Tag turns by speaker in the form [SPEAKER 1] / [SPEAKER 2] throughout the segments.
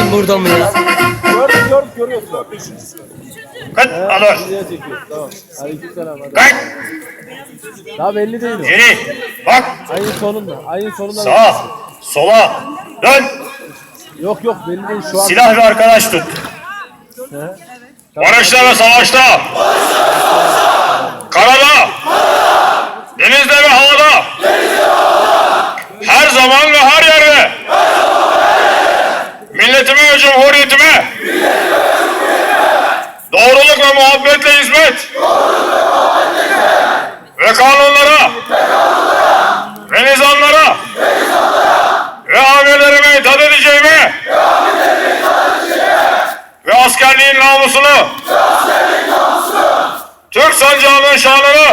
[SPEAKER 1] Ben burada mı ya?
[SPEAKER 2] Görüyorsun.
[SPEAKER 3] Kayıt alır.
[SPEAKER 2] Videoya çekiyor. Tamam. Aleykümselam. Hadi.
[SPEAKER 3] Kayıt.
[SPEAKER 2] Daha belli değil o.
[SPEAKER 3] Geri. Bak.
[SPEAKER 2] Ayın sonunda. Ayın sonunda.
[SPEAKER 3] Sağa. Sola. Dön.
[SPEAKER 2] Yok yok belli değil şu an.
[SPEAKER 3] Silah ve arkadaş tut.
[SPEAKER 2] He?
[SPEAKER 3] Barışta ve savaşta. Karada. Denizde ve havada. Her zaman ve her yerde. Milletime ve cumhuriyetime. Doğruluk ve muhabbetle hizmet. Ve kanunlara. Ve nizamlara. Ve amirlerime itaat edeceğime. Ve askerliğin namusunu. Türk sancağının şanını.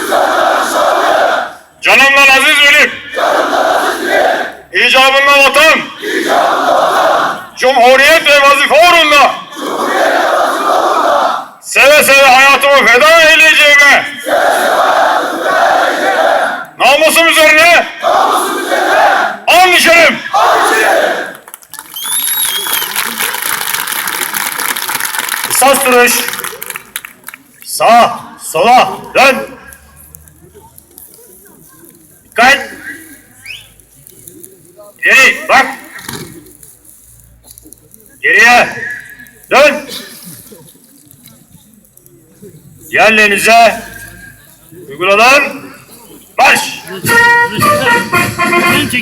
[SPEAKER 3] Canımdan aziz bilip. İcabında vatan. Cumhuriyet ve vazife uğrunda. Seve seve hayatımı feda eyleyeceğime. Namusum üzerine. An içerim. Kısas duruş. Sağa, sola, dön. Dikkat. Geri, bak. Geriye. Dön. Yerlerinize uygulanan marş.